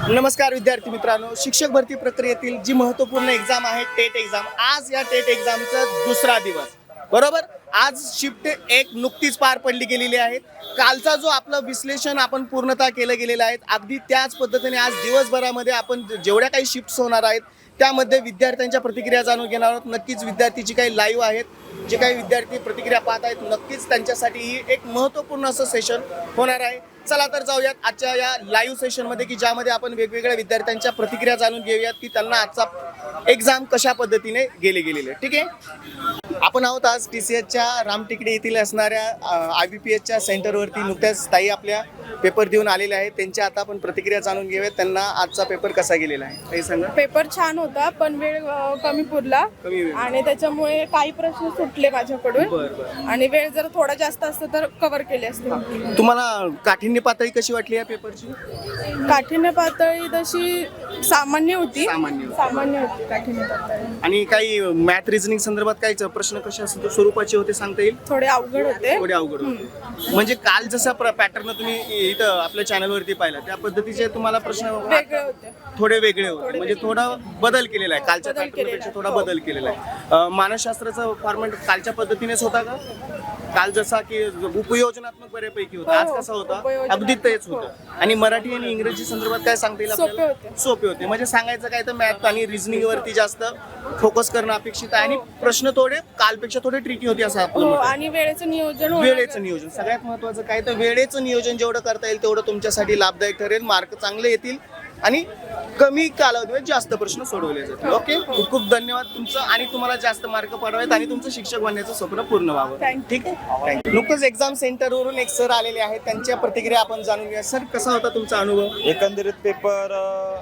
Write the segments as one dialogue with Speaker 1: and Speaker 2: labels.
Speaker 1: नमस्कार विद्यार्थी मित्रांनो, शिक्षक भरती प्रक्रियेतील जी महत्त्वपूर्ण एक्झाम आहे टेट एक्झाम, आज या टेट एक्झामचा दुसरा दिवस बरोबर. आज शिफ्ट 1 नुकतीच पार पडली गेलेली आहे. कालचा जो आपलं विश्लेषण आपण पूर्णतः केलं गेलेलं आहे, अगदी त्याच पद्धतीने आज दिवसभरामध्ये आपण जेवढ्या काही शिफ्ट्स होणार आहेत त्यामध्ये विद्यार्थ्यांच्या प्रतिक्रिया जाणून घेणार आहोत. नक्कीच विद्यार्थीची काही लाईव्ह आहेत, जे काही विद्यार्थी प्रतिक्रिया पाहत आहेत, नक्कीच त्यांच्यासाठी ही एक महत्त्वपूर्ण असं सेशन होणार आहे. चला तर जाऊयात आजच्या या लाईव्ह सेशनमध्ये, की ज्यामध्ये आपण वेगवेगळ्या विद्यार्थ्यांच्या प्रतिक्रिया जाणून घेऊयात की त्यांना आजचा एक्झाम कशा पद्धतीने गेलेले. ठीक आहे, आपण आहोत आज TCSच्या रामटेकडी येथील असणाऱ्या IBPSच्या सेंटरवरती. नुकत्याच ताई आपल्या पेपर देऊन आलेले आहेत, त्यांच्या आता आपण प्रतिक्रिया जाणून घेऊयात. त्यांना आजचा पेपर कसा गेलेला आहे काही सांगा.
Speaker 2: पेपर छान होता, पण वेळ कमी पुरला आणि त्याच्यामुळे काही प्रश्न सुटले माझ्याकडून. आणि वेळ जर थोडा जास्त असतं तर कव्हर केले असते.
Speaker 1: तुम्हाला काठिण्य पातळी कशी वाटली या पेपरची?
Speaker 2: काठिण्य पातळी तशी सामान्य होती
Speaker 1: सामान्य
Speaker 2: होती काठिण्य पातळी.
Speaker 1: आणि काही मॅथ रिझनिंग संदर्भात काही प्रश्न कशा स्वरूपाचे होते सांगता येईल?
Speaker 2: थोडे अवघड होते.
Speaker 1: म्हणजे काल जसा पॅटर्न तुम्ही इथं आपल्या चॅनलवरती पाहिला त्या पद्धतीचे तुम्हाला प्रश्न
Speaker 2: वेगळे होते,
Speaker 1: थोडे वेगळे होते. म्हणजे थोडा बदल केलेला आहे, कालच्या पॅटर्नपेक्षा थोडा बदल केलेला आहे. मानसशास्त्राचा फॉर्मॅट कालच्या पद्धतीनेच होता का? काल जसा की उपयोजनात्मक बऱ्यापैकी होता, आज कसा होता? अगदी तेच होतं. आणि मराठी आणि इंग्रजी संदर्भात काय सांगता येईल आपल्याला? सोपे होते. म्हणजे सांगायचं काय तर मॅथ आणि रिझनिंग वरती जास्त फोकस करणं अपेक्षित आहे. आणि प्रश्न थोडे कालपेक्षा थोडे ट्रिकी होते असं आपलं.
Speaker 2: आणि वेळेचं
Speaker 1: नियोजन सगळ्यात महत्वाचं काय तर वेळेचं नियोजन जेवढं करता येईल तेवढं तुमच्यासाठी लाभदायक ठरेल. मार्क चांगले येतील आणि कमी कालावधीमध्ये जास्त प्रश्न सोडवले जातील. ओके, खूप खूप धन्यवाद तुमचं. आणि तुम्हाला जास्त मार्क पडवायत आणि तुमचं शिक्षक बनण्याचं स्वप्न पूर्ण व्हावं. ठीक आहे, थँक्यू. नुकतंच एक्झाम सेंटरवरून एक सर आलेले आहेत, त्यांच्या प्रतिक्रिया आपण जाणून घेऊया. सर, कसा होता तुमचा अनुभव?
Speaker 3: एकंदरीत पेपर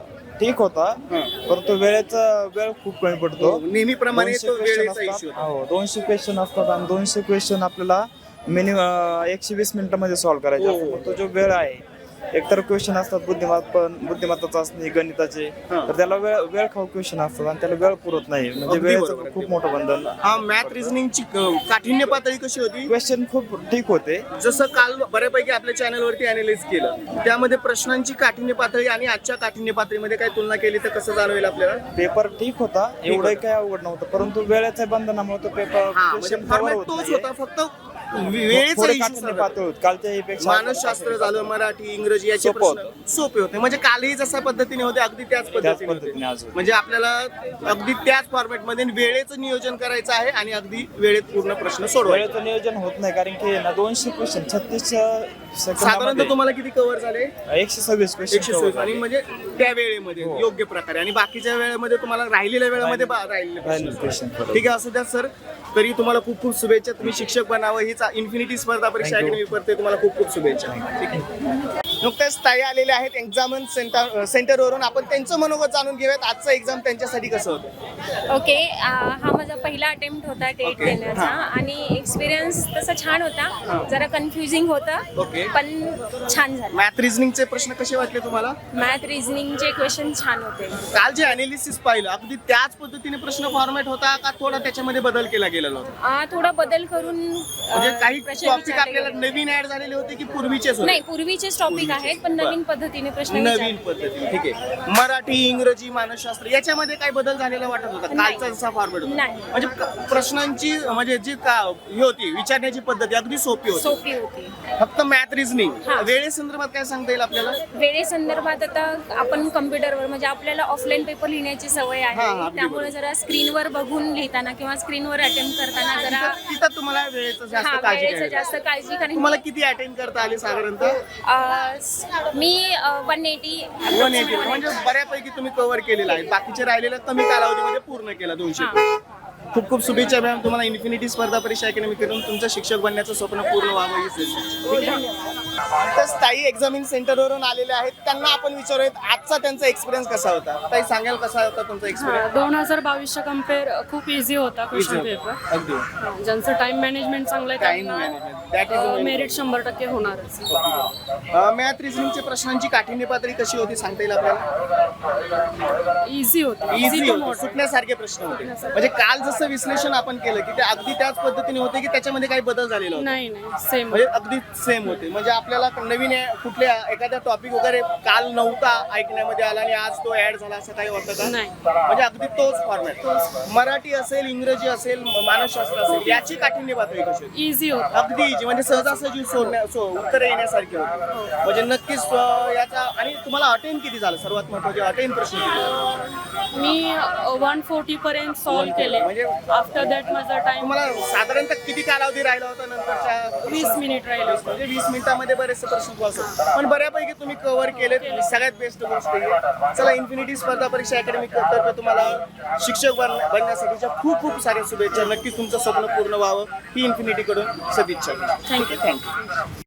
Speaker 3: ठीक होता, परंतु वेळ खूप कमी पडतो.
Speaker 1: नेहमीप्रमाणे तो वेळेचा इश्यू होता.
Speaker 3: 200 क्वेश्चन असतात आणि 200 क्वेश्चन आपल्याला मिनिमम 120 मिनिटांमध्ये सॉल्व्ह करायचे असतात. तो जो वेळ आहे, एकतर क्वेश्चन असतात बुद्धिमत्ता चाचणी गणिताचे, तर त्याला वेळ खाऊ क्वेश्चन असतात आणि त्याला वेळ पुरत नाही. म्हणजे वेळेचं खूप मोठं बंधन.
Speaker 1: मॅथ रिझनिंगची काठिण्य पातळी कशी होती?
Speaker 3: क्वेश्चन खूप ठीक होते.
Speaker 1: जसं काल बऱ्यापैकी आपल्या चॅनलवरती अॅनालाइज केलं, त्यामध्ये प्रश्नांची काठिण्य पातळी आणि आजच्या काठिण्य पातळीमध्ये काय तुलना केली तर कसं जाणवेल आपल्याला?
Speaker 3: पेपर ठीक होता, एवढं काही अवघड नव्हतं, परंतु वेळेच्या बंधनामुळे तो पेपर
Speaker 1: तोच होता, फक्त वेळेचं मानसशास्त्र झालं, मराठी इंग्रजी याचे प्रश्न सोपे होते. म्हणजे कालही जशा पद्धतीने होते अगदी त्याच पद्धतीने म्हणजे आपल्याला अगदी त्याच फॉर्मॅट मध्ये वेळेचं नियोजन करायचं आहे आणि अगदी वेळेत पूर्ण प्रश्न सोडवायचं.
Speaker 3: वेळेचं नियोजन होत नाही, कारण की 200 क्वेश्चन 36
Speaker 1: साधारणतः तुम्हाला किती कव्हर झाले?
Speaker 3: 126 क्वेश्चन.
Speaker 1: आणि म्हणजे त्या वेळेमध्ये योग्य प्रकारे, आणि बाकीच्या वेळेमध्ये तुम्हाला राहिलेल्या वेळेमध्ये राहिलेले क्वेश्चन. ठीक आहे, असू द्या सर. तरी तुम्हाला खूप खूप शुभेच्छा. तुम्ही शिक्षक बनावं, हीच इन्फिनिटी स्पर्धा परीक्षा अकॅडमी करते. तुम्हाला खूप खूप शुभेच्छा. ठीक आहे, नुकत्याच ताई आलेले आहेत एक्झाम सेंटरवरून. आपण त्यांचं मनोगत जाणून घेऊयात. आजचा एक्झाम त्यांच्यासाठी कसं होतं?
Speaker 4: ओके, हा माझा पहिला अटेम्प्ट होता टेट देण्याचा आणि एक्सपिरियन्स तसा छान होता. जरा कन्फ्युजिंग होतं, पण छान झालं.
Speaker 1: मॅथ रिझनिंगचे प्रश्न कसे वाटले तुम्हाला?
Speaker 4: मॅथ रिझनिंगचे क्वेश्चन छान होते.
Speaker 1: काल जे अनालिसिस पाहिलं अगदी त्याच पद्धतीने प्रश्न फॉर्मॅट होता का थोडा त्याच्यामध्ये बदल केला गेलेला होता?
Speaker 4: थोडा बदल करून
Speaker 1: म्हणजे काही टॉपिक आपल्याला नवीन ऍड झालेले होते की पूर्वीचेच होते?
Speaker 4: नाही, पूर्वीचेच टॉपिक आहेत, पण नवीन पद्धतीने प्रश्न
Speaker 1: नवीन पद्धतीने. ठीक आहे, मराठी इंग्रजी मानसशास्त्र याच्यामध्ये काय बदल झालेला वाटत होता कालचा जसा फॉर्मॅट होता? म्हणजे प्रश्नांची म्हणजे जी ही होती विचारण्याची पद्धती अगदी सोपी होती. फक्त मॅथ रिझनिंग वेळेसंदर्भात काय सांगता येईल आपल्याला?
Speaker 4: वेळेसंदर्भात आता आपण कम्प्युटरवर म्हणजे आपल्याला ऑफलाईन पेपर लिहिण्याची सवय आहे, त्यामुळे जरा स्क्रीनवर बघून लिहिताना किंवा स्क्रीनवर अटेम्प्ट करताना जरा
Speaker 1: तिथं तुम्हाला वेळेचं जास्त काळजी.
Speaker 4: कारण
Speaker 1: तुम्हाला किती अटेम्प्ट करता आले साधारणतः?
Speaker 4: मी 180
Speaker 1: म्हणजे बऱ्यापैकी तुम्ही कव्हर केलेला आहे. बाकीचे राहिलेलं कमी कालावधीमध्ये पूर्ण केला 200. खूप खूप शुभेच्छा मॅम. तुम्हाला इन्फिनिटी स्पर्धा परीक्षा अकॅडमी करून तुमचं शिक्षक बनण्याचं स्वप्न पूर्ण व्हावं. ताई एक्झामिन सेंटरवरून आलेले आहेत, त्यांना आपण विचारूयात आजचा त्यांचा एक्सपिरियन्स कसा होता. ताई सांगाल कसा होता तुमचा एक्सपिरियन्स?
Speaker 5: 2022च्या कम्पेअर खूप इझी होता क्वेश्चन पेपर.
Speaker 1: अगदी
Speaker 5: ज्यांचं टाइम मॅनेजमेंट चांगलं आहे त्यांना मेरिट 100% होणारच.
Speaker 1: मॅथ रिझनिंगच्या प्रश्नांची काठिण्य पातळी कशी होती सांगता येईल आपल्याला?
Speaker 5: इझी होती,
Speaker 1: इझी होती, सुटण्यासारखे प्रश्न होते. म्हणजे काल जसं विश्लेषण आपण केलं की ते अगदी त्याच पद्धतीने होते की त्याच्यामध्ये काही बदल झालेला होता?
Speaker 5: नाही नाही सेम
Speaker 1: म्हणजे अगदी सेम होते. म्हणजे आपल्याला नवीन कुठल्या एखाद्या टॉपिक वगैरे काल नव्हता ऐकण्यामध्ये आला आणि आज तो ऍड झाला असं काही होतं का?
Speaker 5: नाही.
Speaker 1: म्हणजे अगदी तोच फॉर्मॅट. मराठी असेल, इंग्रजी असेल, मानसशास्त्र असेल, याची काठिण्य पातळी कशी होती?
Speaker 5: इझी होत.
Speaker 1: अगदी इजी, म्हणजे सहजासहजी उत्तर येण्यासारखी होती. म्हणजे नक्कीच याचा. आणि तुम्हाला अटेंड किती झालं? सर्वात महत्त्वाचे अटेंड प्रश्न किती?
Speaker 5: मी 140 पर्यंत सॉल्व्ह केले.
Speaker 1: म्हणजे
Speaker 5: आफ्टर दॅट माझा टाइम
Speaker 1: तुम्हाला साधारणतः किती कालावधी राहिला होता नंतरच्या?
Speaker 5: 20 मिनिट राहिले.
Speaker 1: म्हणजे 20 मिनिटांमध्ये बरेचसे प्रश्न असतात, पण बऱ्यापैकी तुम्ही कव्हर केलेत. सगळ्यात बेस्ट गोष्ट आहे. चला, इन्फिनिटी स्पर्धा परीक्षा अकॅडमी तर्फे तुम्हाला शिक्षक बनण्यासाठीच्या खूप खूप साऱ्या शुभेच्छा. नक्कीच तुमचं स्वप्न पूर्ण व्हावं ही इन्फिनिटीकडून सदिच्छा. थँक्यू.